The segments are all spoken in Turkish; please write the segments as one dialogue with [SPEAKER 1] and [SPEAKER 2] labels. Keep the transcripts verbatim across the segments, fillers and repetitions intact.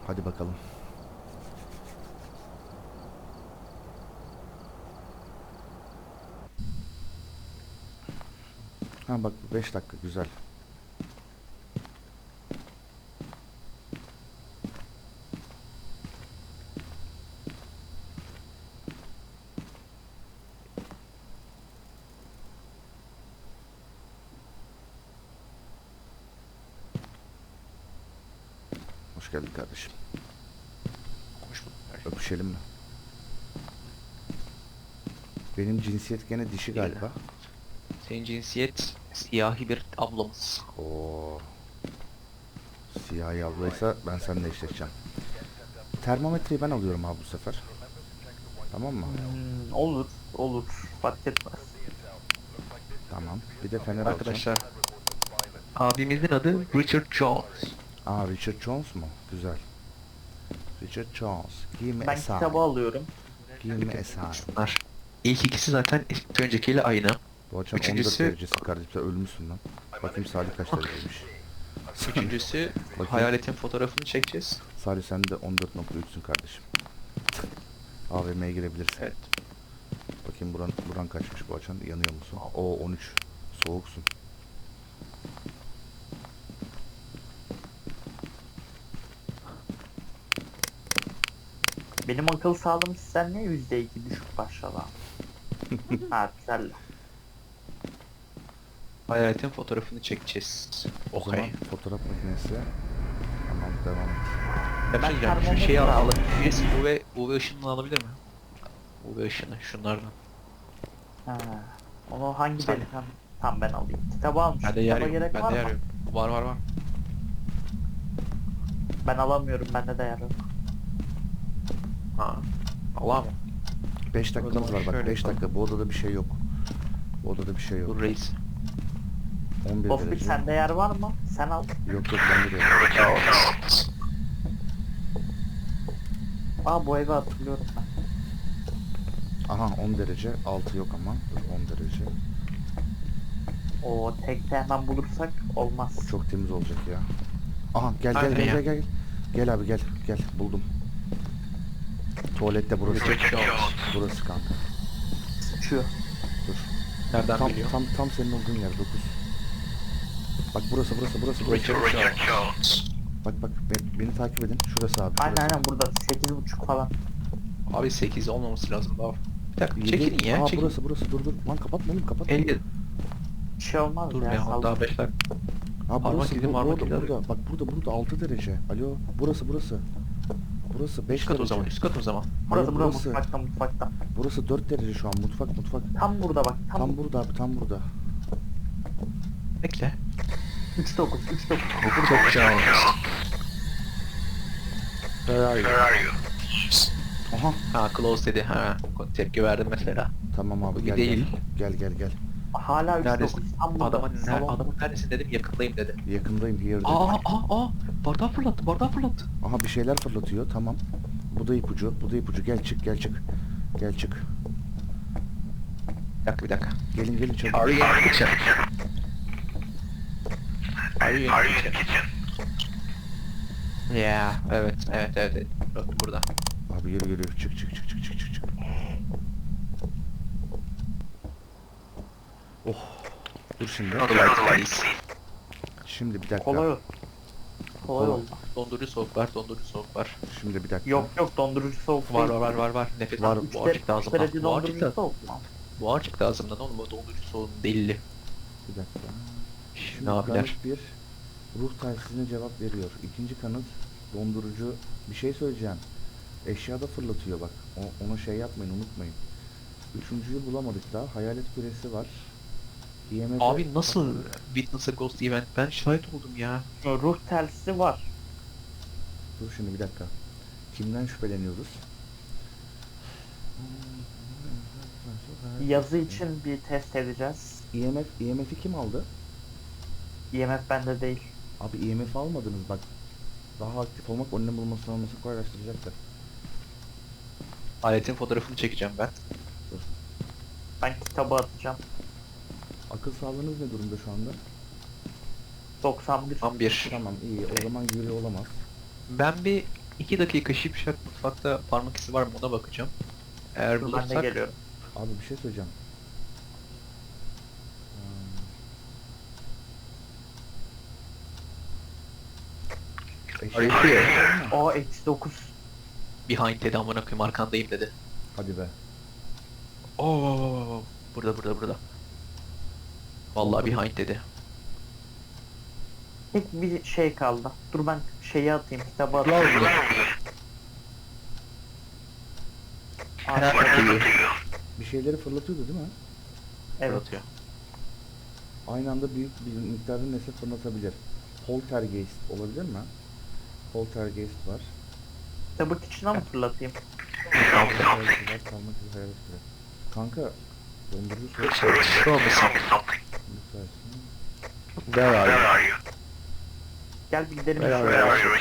[SPEAKER 1] Hadi bakalım. Ha bak beş dakika güzel. Hoş geldin kardeşim.
[SPEAKER 2] Hoş bulduk.
[SPEAKER 1] Öpüşelim mi? Benim cinsiyet gene dişi
[SPEAKER 2] Değil.
[SPEAKER 1] galiba.
[SPEAKER 2] Senin cinsiyet siyahi bir ablamız.
[SPEAKER 1] Oo. Siyahi ablaysa ben seninle eşleşeceğim. Termometreyi ben alıyorum abi bu sefer. Tamam mı?
[SPEAKER 3] Hmm, olur, olur. Fark etmez.
[SPEAKER 1] Tamam. Bir de fener alacağım.
[SPEAKER 2] Arkadaşlar, abimizin adı Richard Jones.
[SPEAKER 1] Aa Richard Jones mu? Güzel. Richard Jones. Give me a
[SPEAKER 3] Ben
[SPEAKER 1] sign.
[SPEAKER 3] kitabı alıyorum.
[SPEAKER 1] Give me a sign.
[SPEAKER 2] Bunlar. İlk ikisi zaten ilk öncekiyle aynı.
[SPEAKER 1] Bu akşam
[SPEAKER 2] Üçüncüsü-
[SPEAKER 1] on dört derecesi kardeşim. Sen ölmüşsün lan. Bakayım Salih kaç dereceymiş.
[SPEAKER 2] Üçüncüsü
[SPEAKER 1] Bakayım.
[SPEAKER 2] hayaletin fotoğrafını çekeceğiz.
[SPEAKER 1] Salih sen de on dört nokta üçsün kardeşim. A V M'ye girebilirsin.
[SPEAKER 2] Evet.
[SPEAKER 1] Bakayım buran, buran kaçmış bu açan. Yanıyor musun? Oo on üç. Soğuksun.
[SPEAKER 3] Benim akıl sağlığım sizden niye yüzde iki düşük başladı? Ha güzel.
[SPEAKER 2] Hayaletin fotoğrafını çekeceğiz.
[SPEAKER 1] O
[SPEAKER 2] Okay.
[SPEAKER 1] zaman fotoğraf makinesi. Tamam devam et.
[SPEAKER 2] Ya ben diyeceğim şu
[SPEAKER 3] termometre
[SPEAKER 2] şeyi
[SPEAKER 3] aldım.
[SPEAKER 2] alalım. Birisi U V, U V ışınını alabilir mi? U V ışını şunlardan.
[SPEAKER 3] Ha. Onu hangi
[SPEAKER 2] Sen-
[SPEAKER 3] delikanlı? Tamam ben alayım. Kitabı almışım.
[SPEAKER 2] Bende yer
[SPEAKER 3] Kitaba
[SPEAKER 2] yok.
[SPEAKER 3] gerek var
[SPEAKER 2] Bende yer
[SPEAKER 3] mı?
[SPEAKER 2] yok. Var var var.
[SPEAKER 3] Ben alamıyorum. Bende de yer yok.
[SPEAKER 2] Ha. Allah mı?
[SPEAKER 1] beş dakikamız
[SPEAKER 2] zaman
[SPEAKER 1] var bak
[SPEAKER 2] şöyle
[SPEAKER 1] beş
[SPEAKER 2] yapalım.
[SPEAKER 1] dakika. Bu odada bir şey yok. Bu odada bir şey yok.
[SPEAKER 2] Dur reis.
[SPEAKER 1] on bir
[SPEAKER 3] Ofbil
[SPEAKER 1] derece.
[SPEAKER 3] sende yer var mı? Sen al.
[SPEAKER 1] Yok yok bende de yok.
[SPEAKER 3] Aa bu evi hatırlıyorum ben.
[SPEAKER 1] Aha on derece. altı yok ama. Dur on derece.
[SPEAKER 3] O tekte hemen bulursak olmaz.
[SPEAKER 1] O çok temiz olacak ya. Aha gel gel
[SPEAKER 2] Hadi
[SPEAKER 1] gel
[SPEAKER 2] ya.
[SPEAKER 1] gel gel. Gel abi gel gel buldum. Tuvalette burası.
[SPEAKER 2] Richard Jones.
[SPEAKER 1] Burası kanka.
[SPEAKER 3] Şu.
[SPEAKER 1] Dur.
[SPEAKER 2] Nereden
[SPEAKER 1] Tam
[SPEAKER 2] biliyor?
[SPEAKER 1] tam tam senin olduğun yer dokuz. Bak burası burası burası burası.
[SPEAKER 2] Richard Jones.
[SPEAKER 1] Bak bak be- beni takip edin. Şurası abi.
[SPEAKER 3] Aynen
[SPEAKER 1] Şurası.
[SPEAKER 3] aynen burada sekiz buçuk falan.
[SPEAKER 2] Abi sekiz olmaması lazım daha. Bir dakika
[SPEAKER 1] Yedi-
[SPEAKER 2] çekilin ya.
[SPEAKER 1] Aa
[SPEAKER 2] Çekilin.
[SPEAKER 1] burası burası dur dur. Lan kapatma oğlum kapatma.
[SPEAKER 2] elli.
[SPEAKER 3] Bir şey olmaz
[SPEAKER 2] Dur
[SPEAKER 3] ya.
[SPEAKER 2] ya
[SPEAKER 3] sal.
[SPEAKER 2] daha beş dakika.
[SPEAKER 1] Ha
[SPEAKER 2] Parmak
[SPEAKER 1] burası
[SPEAKER 2] izi,
[SPEAKER 1] bu,
[SPEAKER 2] parmak
[SPEAKER 1] burada,
[SPEAKER 2] izi arıyor.
[SPEAKER 1] burada. Bak burada burada altı derece. Alo burası burası. Burası beş
[SPEAKER 2] Üst kat
[SPEAKER 1] derece.
[SPEAKER 2] o zaman, üst kat o zaman.
[SPEAKER 3] Burası
[SPEAKER 1] Hayır,
[SPEAKER 3] burası
[SPEAKER 1] burası.
[SPEAKER 3] mutfakta mutfakta.
[SPEAKER 1] Burası dört derece şu an mutfak mutfak.
[SPEAKER 3] Tam burada bak. Tam,
[SPEAKER 1] Tam burada abi tam burada.
[SPEAKER 2] Bekle.
[SPEAKER 3] üç dokuz üç dokuz.
[SPEAKER 2] Çok güzel olmuş.
[SPEAKER 1] Where are you? Aha
[SPEAKER 2] Ha close dedi. Ha tepki verdim mesela.
[SPEAKER 1] tamam abi
[SPEAKER 2] Bu
[SPEAKER 1] gel
[SPEAKER 2] değil.
[SPEAKER 1] gel. Gel gel gel.
[SPEAKER 3] Hala üç dokuz.
[SPEAKER 2] Neredesin?
[SPEAKER 3] Tam burada.
[SPEAKER 2] Adamın, ner
[SPEAKER 3] Salon.
[SPEAKER 2] adamın neredesin dedim yakındayım dedi.
[SPEAKER 1] Yakındayım here dedi.
[SPEAKER 2] Aa aa aa bardağı fırlattı bardağı fırlattı.
[SPEAKER 1] Aha bir şeyler fırlatıyor tamam. Bu da ipucu bu da ipucu gel çık gel çık. Gel çık.
[SPEAKER 2] Bir dakika bir dakika.
[SPEAKER 1] Gelin gelin çabuk.
[SPEAKER 2] Are you in the kitchen? Are you in the kitchen? Yeah, evet, evet, evet, evet. Bak burada.
[SPEAKER 1] Abi yürü yürü çık çık çık çık çık çık çık. Oh. Dur şimdi. Şimdi bir dakika.
[SPEAKER 3] Kolay ol. Kolay
[SPEAKER 1] Kolay.
[SPEAKER 3] oldu.
[SPEAKER 2] Dondurucu soğuk var, dondurucu soğuk var.
[SPEAKER 1] Şimdi bir dakika.
[SPEAKER 3] Yok yok dondurucu soğuk
[SPEAKER 2] Var
[SPEAKER 3] değil.
[SPEAKER 2] var var var var. Nefes
[SPEAKER 1] Var.
[SPEAKER 2] var.
[SPEAKER 3] Üç
[SPEAKER 2] Buhar çıktı
[SPEAKER 3] derece- üç
[SPEAKER 2] ağzımdan.
[SPEAKER 3] derece
[SPEAKER 2] Buhar
[SPEAKER 3] dondurucu
[SPEAKER 2] çıktı.
[SPEAKER 3] soğuk mu?
[SPEAKER 2] Buhar çıktı ağzımdan oğlum. O dondurucu soğuğun delili.
[SPEAKER 1] Bir dakika. Şimdi
[SPEAKER 2] Ne abiler?
[SPEAKER 1] kanıt bir ruh telsizine cevap veriyor. İkinci kanıt dondurucu bir şey söyleyeceğim. Eşyada fırlatıyor bak. O, ona şey yapmayın unutmayın. Üçüncüyü bulamadık daha. Hayalet küresi var. I M F
[SPEAKER 2] Abi nasıl Witness a Ghost Event? Ben şahit oldum ya.
[SPEAKER 3] Ruh telsizi var.
[SPEAKER 1] Dur şimdi bir dakika. Kimden şüpheleniyoruz?
[SPEAKER 3] Yazı için bir test edeceğiz.
[SPEAKER 1] I M F, I M F'i kim aldı?
[SPEAKER 3] I M F bende değil.
[SPEAKER 1] Abi I M F almadınız bak. Daha aktif olmak önlem bulmasını alması kolaylaştıracaktır.
[SPEAKER 2] Aletin fotoğrafını çekeceğim ben.
[SPEAKER 3] Ben kitabı atacağım.
[SPEAKER 1] Akıl sağlığınız ne durumda şu anda?
[SPEAKER 3] doksan bir.
[SPEAKER 2] Tam bir.
[SPEAKER 1] Tamam iyi. O zaman Yuri olamaz.
[SPEAKER 2] Ben bir iki dakika Şipşak mutfakta parmak izi var mı ona bakacağım. Eğer
[SPEAKER 3] Dur ben de
[SPEAKER 2] bulursak
[SPEAKER 3] geliyorum.
[SPEAKER 1] Abi bir şey söyleyeceğim. Hmm.
[SPEAKER 2] Are you
[SPEAKER 1] Eşya-
[SPEAKER 2] here?
[SPEAKER 3] O eksi dokuz.
[SPEAKER 2] Behind dedi amına koyayım arkandayım dedi.
[SPEAKER 1] Hadi be.
[SPEAKER 2] Oo, burada burada burada. Vallahi behind dedi.
[SPEAKER 3] Tek bir şey kaldı. Dur ben şeyi atayım, kitabı atayım. Arkada.
[SPEAKER 1] Bir şeyleri fırlatıyordu değil mi?
[SPEAKER 3] Evet.
[SPEAKER 2] Fırlatıyor.
[SPEAKER 1] Aynı anda büyük bir miktarda nesne fırlatabilir. Poltergeist olabilir mi? Poltergeist var.
[SPEAKER 3] Kitabı içine mi fırlatayım?
[SPEAKER 1] Hayaleti var, kalmak üzere hayalet var. Kanka, dondurucu soğuk
[SPEAKER 2] Show me something.
[SPEAKER 1] lütfen.
[SPEAKER 2] Where are you?
[SPEAKER 3] Gel bir gidelim.
[SPEAKER 2] Where
[SPEAKER 3] şöyle.
[SPEAKER 2] are you?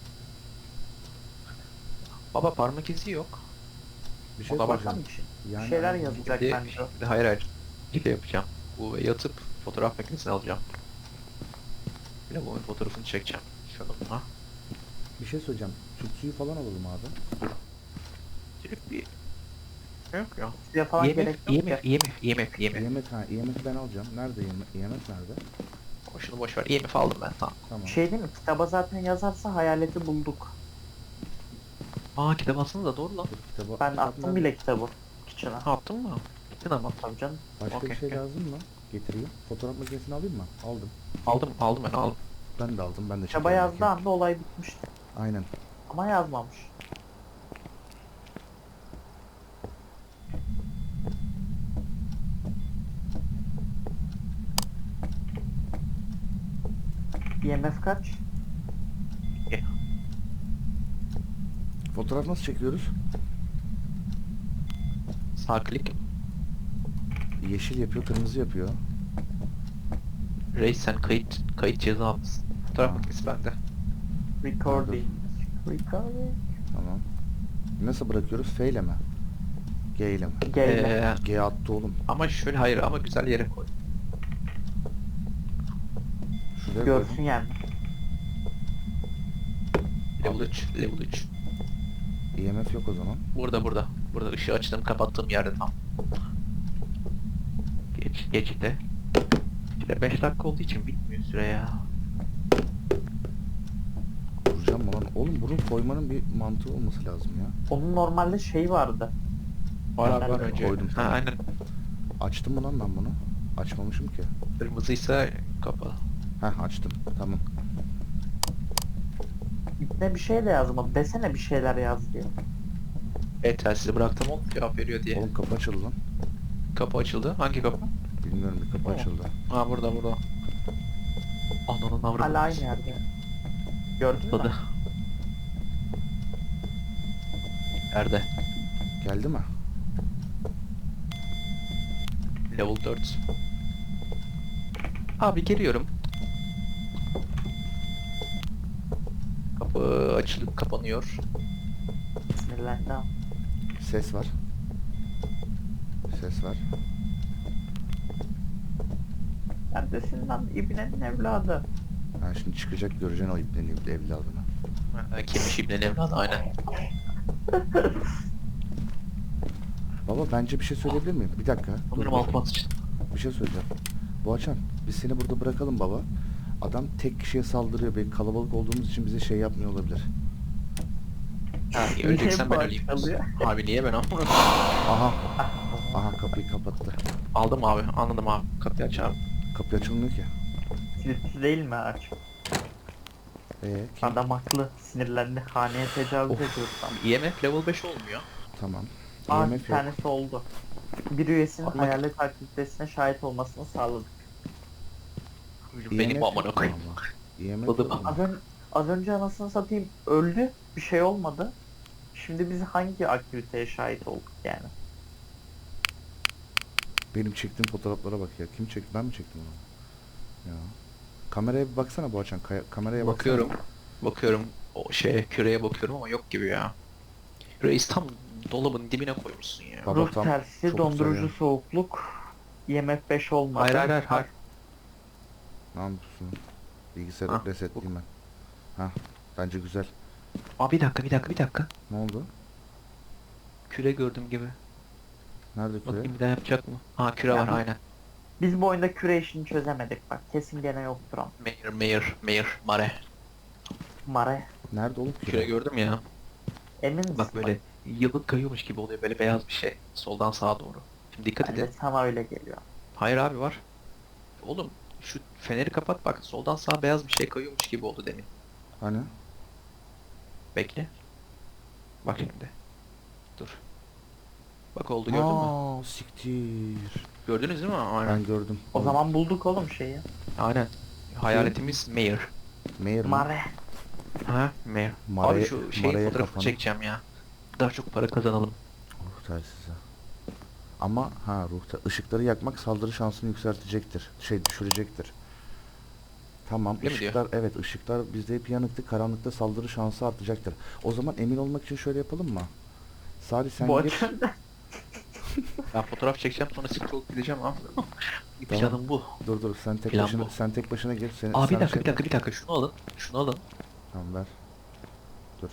[SPEAKER 2] Baba parmak izi yok.
[SPEAKER 1] Bir şey
[SPEAKER 2] Ona
[SPEAKER 3] Baksana
[SPEAKER 1] soracağım.
[SPEAKER 3] bir şey.
[SPEAKER 1] Yani
[SPEAKER 3] Bir şeyler
[SPEAKER 1] hani-
[SPEAKER 3] yazacak
[SPEAKER 2] Bir de,
[SPEAKER 3] bence.
[SPEAKER 2] bir de hayır hayır. Bir de yapacağım. Bu yatıp fotoğraf makinesini alacağım. Bir de bu fotoğrafını çekeceğim. Şununla.
[SPEAKER 1] Bir şey söyleyeceğim. Süt suyu falan alalım abi.
[SPEAKER 2] Direkt bir... Yok ya.
[SPEAKER 3] Size falan gerek
[SPEAKER 2] IMF,
[SPEAKER 3] yok ya.
[SPEAKER 2] IMF, IMF, IMF, IMF.
[SPEAKER 1] I M F, ha, I M F'i ben alacağım. Nerede I M F? I M F nerede?
[SPEAKER 2] O şunu boş ver. IMF aldım ben tamam.
[SPEAKER 1] Tamam.
[SPEAKER 3] Şey değil mi? Kitaba zaten yazarsa hayaleti bulduk.
[SPEAKER 2] Aa kitap aslında da doğru lan.
[SPEAKER 1] Dur, kitabı,
[SPEAKER 3] Ben
[SPEAKER 1] kitap
[SPEAKER 3] attım
[SPEAKER 1] nerede?
[SPEAKER 3] bile kitabı. İçine.
[SPEAKER 2] Ha, attın mı? Gittin ama.
[SPEAKER 3] Tabii canım.
[SPEAKER 1] Başka
[SPEAKER 2] Okey,
[SPEAKER 1] bir şey
[SPEAKER 2] okey.
[SPEAKER 1] lazım mı? Getireyim. Fotoğraf makinesini alayım mı? Aldım.
[SPEAKER 2] Aldım, aldım ben aldım.
[SPEAKER 1] Ben de aldım. Ben de
[SPEAKER 3] Kitaba
[SPEAKER 1] çekerim
[SPEAKER 3] yazdığı
[SPEAKER 1] bakayım.
[SPEAKER 3] anda olay bitmişti.
[SPEAKER 1] Aynen.
[SPEAKER 3] Ama yazmamış. I M F kaç?
[SPEAKER 1] Fotoğraf nasıl çekiyoruz?
[SPEAKER 2] Sağ klik.
[SPEAKER 1] Yeşil yapıyor, kırmızı yapıyor.
[SPEAKER 2] Reis sen kayıt, kayıt ceza almışsın. Fotoğraf
[SPEAKER 1] Ha.
[SPEAKER 2] makinesi bende.
[SPEAKER 3] Recording. Recording.
[SPEAKER 1] Tamam. Nasıl bırakıyoruz? F ile mi? G ile mi?
[SPEAKER 3] Gelme.
[SPEAKER 2] Ee,
[SPEAKER 1] G attı oğlum.
[SPEAKER 2] ama şöyle hayır ama güzel yere koy.
[SPEAKER 1] Şuraya
[SPEAKER 3] Görsün
[SPEAKER 1] koydum.
[SPEAKER 3] yani.
[SPEAKER 2] Level üç, level üç.
[SPEAKER 1] I M F yok o zaman.
[SPEAKER 2] Burada burada. Burada ışığı açtım kapattığım yerde tam. Geç, geç de. İşte beş dakika olduğu için bitmiyor süre ya.
[SPEAKER 1] Kuracağım mı lan? Oğlum bunu koymanın bir mantığı olması lazım ya.
[SPEAKER 3] Onun normalde şey vardı.
[SPEAKER 2] Var abi
[SPEAKER 3] Ben
[SPEAKER 2] var
[SPEAKER 3] de
[SPEAKER 2] önce.
[SPEAKER 1] koydum
[SPEAKER 2] Ha
[SPEAKER 1] tamam.
[SPEAKER 2] aynen.
[SPEAKER 1] Açtım mı lan ben bunu? Açmamışım ki.
[SPEAKER 2] Kırmızıysa kapalı.
[SPEAKER 1] Heh açtım. Tamam.
[SPEAKER 3] Ne bir şey de yazmadı. Desene bir şeyler yaz diye.
[SPEAKER 2] E telsizi bıraktım oğlum cevap veriyor diye.
[SPEAKER 1] Oğlum kapı açıldı lan.
[SPEAKER 2] Kapı açıldı. Hangi kapı?
[SPEAKER 1] Bilmiyorum bir kapı
[SPEAKER 2] Tamam.
[SPEAKER 1] açıldı.
[SPEAKER 2] Ha burada burada. Ananın avradı.
[SPEAKER 3] Hala aynı yerde. Gördün mü?
[SPEAKER 2] Atladı. Nerede?
[SPEAKER 1] Geldi mi?
[SPEAKER 2] Level dört. Abi geliyorum. Kapı açılıp kapanıyor.
[SPEAKER 3] Sinirlendi ama.
[SPEAKER 1] Ses var. Ses var.
[SPEAKER 3] Neredesin lan İbne'nin evladı?
[SPEAKER 1] Ha şimdi çıkacak göreceksin o iplerini iple evladını.
[SPEAKER 2] Ha, Kimmiş İbne'nin evladı aynen.
[SPEAKER 1] Baba bence bir şey söyleyebilir miyim? Bir dakika. Dur,
[SPEAKER 2] Sanırım
[SPEAKER 1] dur.
[SPEAKER 2] altıma sıçtım.
[SPEAKER 1] Bir şey söyleyeceğim. Boğaçan biz seni burada bırakalım baba. Adam tek kişiye saldırıyor. Belki kalabalık olduğumuz için bize şey yapmıyor olabilir.
[SPEAKER 2] Ha,
[SPEAKER 3] Niye
[SPEAKER 2] öleceksen ben
[SPEAKER 3] bu
[SPEAKER 2] öleyim.
[SPEAKER 3] açılıyor?
[SPEAKER 2] Abi niye ben amına?
[SPEAKER 1] Aha. Aha kapıyı kapattı.
[SPEAKER 2] Aldım abi anladım abi. Kapıyı aç abi.
[SPEAKER 1] Kapı açılmıyor ki.
[SPEAKER 3] Kilitli değil mi aç?
[SPEAKER 1] Ee, kim?
[SPEAKER 3] Adam haklı. Sinirlendi. Haneye tecavüz
[SPEAKER 1] Of.
[SPEAKER 3] ediyor tam.
[SPEAKER 2] I M F level beş olmuyor.
[SPEAKER 1] Tamam.
[SPEAKER 3] Aa
[SPEAKER 1] I M
[SPEAKER 3] bir
[SPEAKER 1] F yok.
[SPEAKER 3] tanesi oldu. Bir üyesinin
[SPEAKER 2] Allah-
[SPEAKER 3] hayalet aktivitesine şahit olmasını sağladık.
[SPEAKER 1] I M F
[SPEAKER 2] Benim
[SPEAKER 1] yok
[SPEAKER 2] amına koyayım.
[SPEAKER 1] ama. I M F
[SPEAKER 2] Tadı-
[SPEAKER 1] yok ama.
[SPEAKER 3] Az, ön, az önce anasını satayım öldü. Bir şey olmadı. Şimdi biz hangi aktiviteye şahit olduk yani?
[SPEAKER 1] Benim çektiğim fotoğraflara bak ya. Kim çekti? Ben mi çektim onu? Ya. Kameraya bir baksana Boğaçan. Kaya- kameraya baksana.
[SPEAKER 2] Bakıyorum. Bakıyorum. O şeye küreye bakıyorum ama yok gibi ya. Reis tam dolabın dibine koymuşsun ya.
[SPEAKER 1] Baba
[SPEAKER 3] Ruh
[SPEAKER 1] tam
[SPEAKER 3] tersi,
[SPEAKER 1] çok
[SPEAKER 3] dondurucu
[SPEAKER 1] güzel ya.
[SPEAKER 3] soğukluk, I M F beş olmadı.
[SPEAKER 2] Hayır hayır hayır. hayır.
[SPEAKER 1] Ne yapıyorsun? Bilgisayarı
[SPEAKER 2] Ha,
[SPEAKER 1] resetleyeyim ben. Ha, bence güzel.
[SPEAKER 2] Aa bir dakika bir dakika bir dakika.
[SPEAKER 1] Ne oldu?
[SPEAKER 2] Küre gördüm gibi.
[SPEAKER 1] Nerede küre?
[SPEAKER 2] Bakayım bir daha yapacak mı? Ha küre
[SPEAKER 3] Ya
[SPEAKER 2] var
[SPEAKER 3] bu-
[SPEAKER 2] aynen.
[SPEAKER 3] Biz bu oyunda küre işini çözemedik bak. Kesin gene yoktur ama.
[SPEAKER 2] Mayor mayor mayor mare.
[SPEAKER 3] Mare.
[SPEAKER 1] Nerede oğlum küre?
[SPEAKER 2] Küre gördüm ya.
[SPEAKER 3] Emin misin?
[SPEAKER 2] Bak böyle yıllık kayıyormuş gibi oluyor böyle beyaz bir şey. Soldan sağa doğru. Şimdi dikkat
[SPEAKER 3] Bence
[SPEAKER 2] edin.
[SPEAKER 3] sana öyle geliyor.
[SPEAKER 2] Hayır abi var. Oğlum şu feneri kapat bak soldan sağa beyaz bir şey kayıyormuş gibi oldu demin.
[SPEAKER 1] Hani?
[SPEAKER 2] Bekle. Bak şimdi. Dur. Bak oldu gördün mü?
[SPEAKER 1] Aa, siktir.
[SPEAKER 2] Gördünüz değil mi? Aynen.
[SPEAKER 1] Ben gördüm.
[SPEAKER 3] O
[SPEAKER 1] Oğlum,
[SPEAKER 3] zaman bulduk oğlum şeyi.
[SPEAKER 2] Aynen. Hayaletimiz Mayor.
[SPEAKER 1] Mayor mu?
[SPEAKER 3] Mare.
[SPEAKER 2] Ha Mayor.
[SPEAKER 1] Maraya-
[SPEAKER 2] Abi şu şeyin
[SPEAKER 1] maraya
[SPEAKER 2] fotoğrafını
[SPEAKER 1] kapanı.
[SPEAKER 2] çekeceğim ya. Daha çok para kazanalım.
[SPEAKER 1] Ruh telsizi. Ama ha ruhta ışıkları yakmak saldırı şansını yükseltecektir. Şey düşürecektir. Tamam
[SPEAKER 2] Öyle mi diyor?
[SPEAKER 1] ışıklar evet ışıklar bizde hep yanıktı. Karanlıkta saldırı şansı artacaktır. O zaman emin olmak için şöyle yapalım mı? Salih sen
[SPEAKER 3] Bu
[SPEAKER 1] gir.
[SPEAKER 3] açıdan
[SPEAKER 2] Ben fotoğraf çekeceğim sonra siktir olup gideceğim ama. Bir
[SPEAKER 1] Tamam.
[SPEAKER 2] planım bu.
[SPEAKER 1] Dur dur sen tek
[SPEAKER 2] Plan
[SPEAKER 1] başına
[SPEAKER 2] bu.
[SPEAKER 1] sen tek başına gir. Seni,
[SPEAKER 2] Aa bir
[SPEAKER 1] sen
[SPEAKER 2] dakika
[SPEAKER 1] şey-
[SPEAKER 2] bir dakika bir dakika şunu alın. Şunu alın.
[SPEAKER 1] Tamam ver. Dur.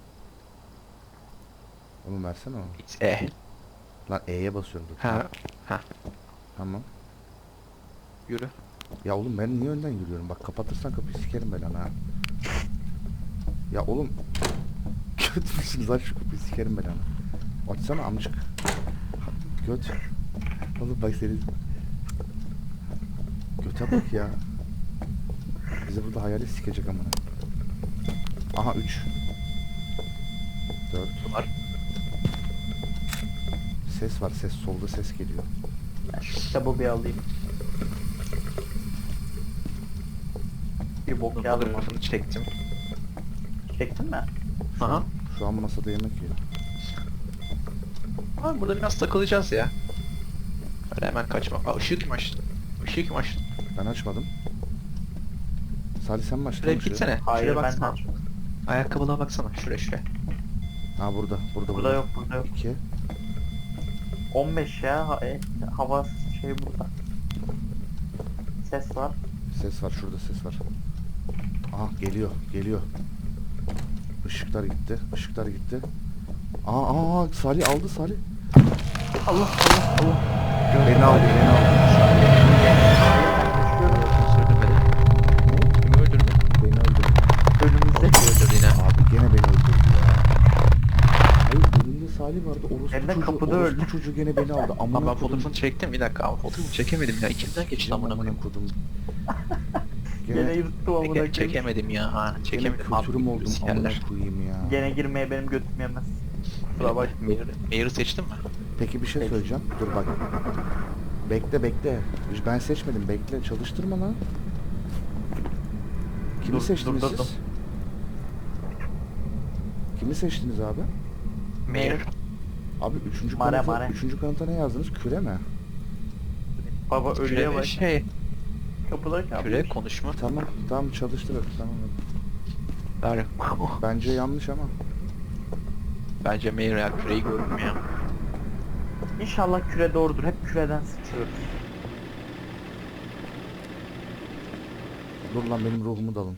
[SPEAKER 1] Oğlum versene onu.
[SPEAKER 2] It's E.
[SPEAKER 1] Lan E'ye basıyorum dur.
[SPEAKER 2] Ha. Ha.
[SPEAKER 1] Tamam.
[SPEAKER 2] Yürü.
[SPEAKER 1] Ya oğlum ben niye önden yürüyorum? Bak kapatırsan kapıyı sikerim ben ha. Ya oğlum. Göt müsünüz? Aç şu kapıyı sikerim ben ana. Açsana amcık. Göt. Oğlum bak seni. Göte bak ya. Bizi burada hayalet sikecek amına. Aha üç. dört.
[SPEAKER 2] Var.
[SPEAKER 1] Ses var ses solda ses geliyor.
[SPEAKER 3] ben şu kitabı bir alayım. Bir bok
[SPEAKER 2] Bunun
[SPEAKER 3] yazdım.
[SPEAKER 2] fotoğrafını çektim.
[SPEAKER 3] Çektin mi?
[SPEAKER 1] Şu
[SPEAKER 2] Aha.
[SPEAKER 1] an, şu an masada yemek yiyor.
[SPEAKER 2] Abi burada biraz takılacağız ya. Öyle hemen kaçma. Aa ışığı kim açtı? Işığı kim açtı?
[SPEAKER 1] Ben açmadım. Salih sen mi açtın?
[SPEAKER 2] Şuraya
[SPEAKER 1] oğlum
[SPEAKER 2] bir gitsene.
[SPEAKER 3] Hayır
[SPEAKER 2] Şuraya
[SPEAKER 3] ben
[SPEAKER 2] baksana.
[SPEAKER 3] açmadım.
[SPEAKER 2] Ayakkabılığa baksana. Şuraya şuraya.
[SPEAKER 1] Ha burada. Burada
[SPEAKER 3] Burada yok burada yok.
[SPEAKER 1] iki.
[SPEAKER 3] on beş ya. Ha, e, hava şey burada. Ses var.
[SPEAKER 1] Ses var şurada ses var. Aha geliyor geliyor. Işıklar gitti. Işıklar gitti. Aa aa aa, Salih aldı Salih.
[SPEAKER 3] Allah Allah Allah.
[SPEAKER 1] Beni aldı beni aldı.
[SPEAKER 2] Kim öldürdü?
[SPEAKER 1] Beni öldürdü.
[SPEAKER 3] Önümüzde.
[SPEAKER 2] Kim öldürdü yine?
[SPEAKER 1] Abi gene beni öldürdü ya. Hayır önümde Salih vardı. Orospu
[SPEAKER 3] Hem de
[SPEAKER 1] çocuğu,
[SPEAKER 3] kapıda
[SPEAKER 1] orospu
[SPEAKER 3] öldü.
[SPEAKER 1] çocuğu gene beni aldı. Amına
[SPEAKER 2] Ama ben
[SPEAKER 1] kodum.
[SPEAKER 2] fotoğrafını çektim bir dakika ama fotoğrafını çekemedim ya. İçimden geçti amına koyayım.
[SPEAKER 1] kodum.
[SPEAKER 3] Gene
[SPEAKER 1] Gene,
[SPEAKER 3] yırttım amına
[SPEAKER 2] Çeke-
[SPEAKER 3] koyayım.
[SPEAKER 2] Çekemedim ya. Ha,
[SPEAKER 1] gene
[SPEAKER 2] çekemedim. Abi,
[SPEAKER 1] kültürüm oldum amına
[SPEAKER 2] sikerler.
[SPEAKER 1] koyayım ya.
[SPEAKER 3] Gene girmeye benim götüm yemez. Kusura bak.
[SPEAKER 2] Mayor'ı Mayor'ı seçtin mi?
[SPEAKER 1] Peki bir şey
[SPEAKER 3] Peki.
[SPEAKER 1] söyleyeceğim. Dur bak. Bekle bekle. Ben seçmedim. Bekle. Çalıştırma lan. Kimi
[SPEAKER 3] Dur,
[SPEAKER 1] seçtiniz
[SPEAKER 3] dur, dur,
[SPEAKER 1] siz? Kimi seçtiniz abi?
[SPEAKER 2] Mayor.
[SPEAKER 1] Abi üçüncü
[SPEAKER 3] Mare,
[SPEAKER 1] kanıta,
[SPEAKER 3] mare.
[SPEAKER 1] üçüncü kanıta ne yazdınız? Küre mi?
[SPEAKER 3] Baba ölüye
[SPEAKER 2] Küre
[SPEAKER 3] bak.
[SPEAKER 2] şey.
[SPEAKER 3] Kapıda kalmış.
[SPEAKER 2] Küre konuşma.
[SPEAKER 1] Tamam. Tamam çalıştır hadi. Tamam hadi.
[SPEAKER 2] Ver.
[SPEAKER 1] Bence yanlış ama.
[SPEAKER 2] Bence Mayor ya küreyi gördüm ya.
[SPEAKER 3] İnşallah küre doğrudur. Hep küreden sıçıyoruz.
[SPEAKER 1] Dur lan benim ruhumu dalın.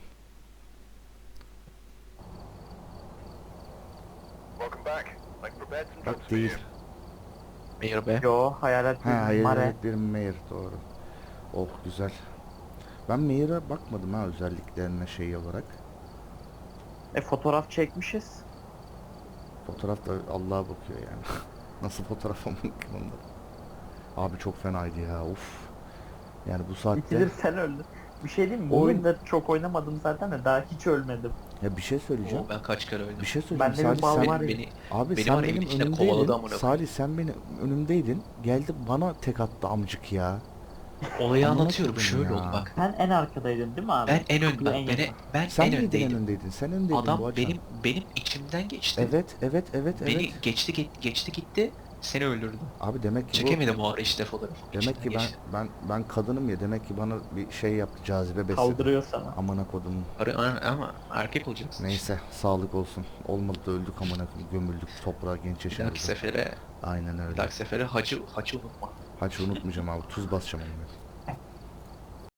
[SPEAKER 1] Bak değil.
[SPEAKER 2] Mayor be.
[SPEAKER 3] Yo hayalet
[SPEAKER 1] Ha
[SPEAKER 3] bir
[SPEAKER 1] hayır
[SPEAKER 3] mare.
[SPEAKER 1] evet bir Mayor doğru. Oh güzel. Ben Mayor'a bakmadım ha özelliklerine şey olarak.
[SPEAKER 3] E fotoğraf çekmişiz.
[SPEAKER 1] Fotoğraf da Allah'a bakıyor yani. Nasıl fotoğraf olmak onda. Abi çok fenaydı ya uf. Yani bu saatte
[SPEAKER 3] İkidir sen öldün. Bir şey diyeyim mi? Bu
[SPEAKER 1] Oğlum.
[SPEAKER 3] oyunda çok oynamadım zaten de daha hiç ölmedim.
[SPEAKER 1] ya bir şey söyleyeceğim.
[SPEAKER 2] Oo, ben kaç kere öldüm.
[SPEAKER 1] Bir şey söyleyeceğim.
[SPEAKER 3] Bende bir
[SPEAKER 1] Salih
[SPEAKER 3] bal
[SPEAKER 1] sen
[SPEAKER 3] var
[SPEAKER 2] Beni,
[SPEAKER 3] ya.
[SPEAKER 2] beni,
[SPEAKER 1] abi
[SPEAKER 2] beni
[SPEAKER 1] sen
[SPEAKER 2] var ya,
[SPEAKER 1] benim
[SPEAKER 2] evin içinde
[SPEAKER 1] önümdeydin.
[SPEAKER 2] kovaladı amına koyayım.
[SPEAKER 1] Salih sen benim önümdeydin. Geldi bana tek attı amcık ya.
[SPEAKER 2] olayı
[SPEAKER 1] Amına
[SPEAKER 2] anlatıyorum
[SPEAKER 1] koydum
[SPEAKER 2] şöyle
[SPEAKER 1] ya.
[SPEAKER 2] oldu bak.
[SPEAKER 3] Sen en arkadaydın değil mi abi?
[SPEAKER 2] Ben en ön
[SPEAKER 3] Kapıya
[SPEAKER 2] ben,
[SPEAKER 3] en
[SPEAKER 2] beni,
[SPEAKER 3] yakın.
[SPEAKER 2] ben
[SPEAKER 1] Sen
[SPEAKER 2] en
[SPEAKER 1] miydin en
[SPEAKER 2] öndeydim.
[SPEAKER 1] öndeydin? Sen öndeydin bu
[SPEAKER 2] Adam
[SPEAKER 1] açan.
[SPEAKER 2] benim benim içimden geçti.
[SPEAKER 1] Evet evet evet
[SPEAKER 2] Beni
[SPEAKER 1] evet.
[SPEAKER 2] geçti ge- geçti gitti. Seni öldürdü.
[SPEAKER 1] Abi demek ki bu
[SPEAKER 2] Çekemedim o ara işte fotoğrafı.
[SPEAKER 1] demek
[SPEAKER 2] İçinden
[SPEAKER 1] ki ben
[SPEAKER 2] geçti.
[SPEAKER 1] ben ben kadınım ya demek ki bana bir şey yaptı cazibe besledi.
[SPEAKER 3] Kaldırıyor sana.
[SPEAKER 1] Amına kodum.
[SPEAKER 2] Ara- ama erkek olacaksın.
[SPEAKER 1] Neyse sağlık olsun. Olmadı da öldük amına koyayım. Gömüldük toprağa genç
[SPEAKER 2] Bir
[SPEAKER 1] yaşımızda.
[SPEAKER 2] dahaki sefere,
[SPEAKER 1] Aynen
[SPEAKER 2] bir
[SPEAKER 1] öyle.
[SPEAKER 2] dahaki sefere hacı hacı unutma.
[SPEAKER 1] Haç unutmayacağım abi. Tuz basacağım onu.